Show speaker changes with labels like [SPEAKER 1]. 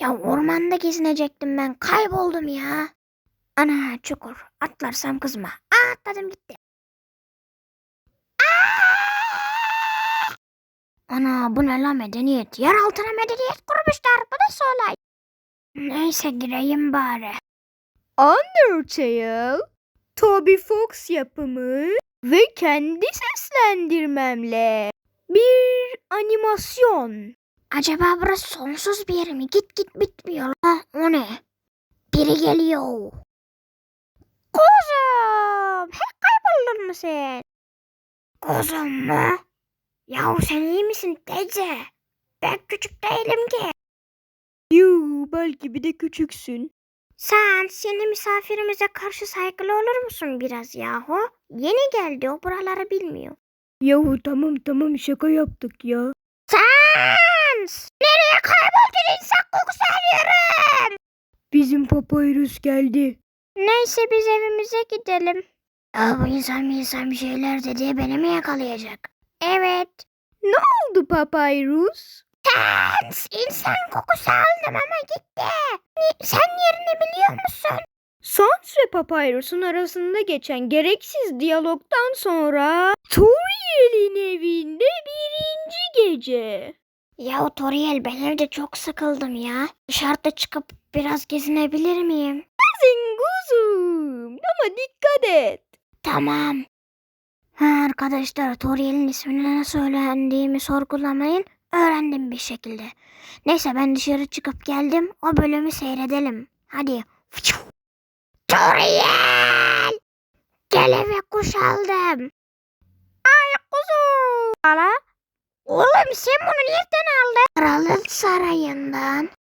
[SPEAKER 1] Ya ormanda gezinecektim ben. Kayboldum ya. Ana çukur. Atlarsam kızma. Atladım gitti. Ana bu ne la medeniyet? Yer altına medeniyet kurmuşlar. Bu nasıl olay? Neyse gireyim bari.
[SPEAKER 2] Undertale, Toby Fox yapımı ve kendi seslendirmemle bir animasyon.
[SPEAKER 1] Acaba burası sonsuz bir yer mi? Git git bitmiyor la. O ne? Biri geliyor. Kuzum. Hep kayboldun mu sen? Kuzum mu? Yahu sen iyi misin teyze? Ben küçük değilim ki.
[SPEAKER 2] Yuu, belki bir de küçüksün.
[SPEAKER 1] Sen yeni misafirimize karşı saygılı olur musun biraz yahu? Yeni geldi, o buraları bilmiyor.
[SPEAKER 2] Yahu tamam şaka yaptık ya.
[SPEAKER 1] Sen nereye kayboldun, insan kokusu alıyorum.
[SPEAKER 2] Bizim Papyrus geldi.
[SPEAKER 1] Neyse biz evimize gidelim. Ya bu insan bir şeyler dedi, beni mi yakalayacak? Evet.
[SPEAKER 2] Ne oldu Papyrus?
[SPEAKER 1] Sen insan kokusu aldım ama gitti. Sen yerini biliyor musun?
[SPEAKER 2] Sans ve Papyrus'un arasında geçen gereksiz diyalogtan sonra Toriel'in evinde birinci gece.
[SPEAKER 1] Ya Toriel, ben evde çok sıkıldım ya. Dışarıda çıkıp biraz gezinebilir miyim?
[SPEAKER 2] Kuzum ama dikkat et.
[SPEAKER 1] Tamam. Arkadaşlar, Toriel'in ismini nasıl öğrendiğimi sorgulamayın. Öğrendim bir şekilde. Neyse ben dışarı çıkıp geldim. O bölümü seyredelim. Hadi. Toriel! Gel eve, kuş aldım. Ay kuzum. Ala. Oğlum sen bunu nereden aldın? Kralın sarayından.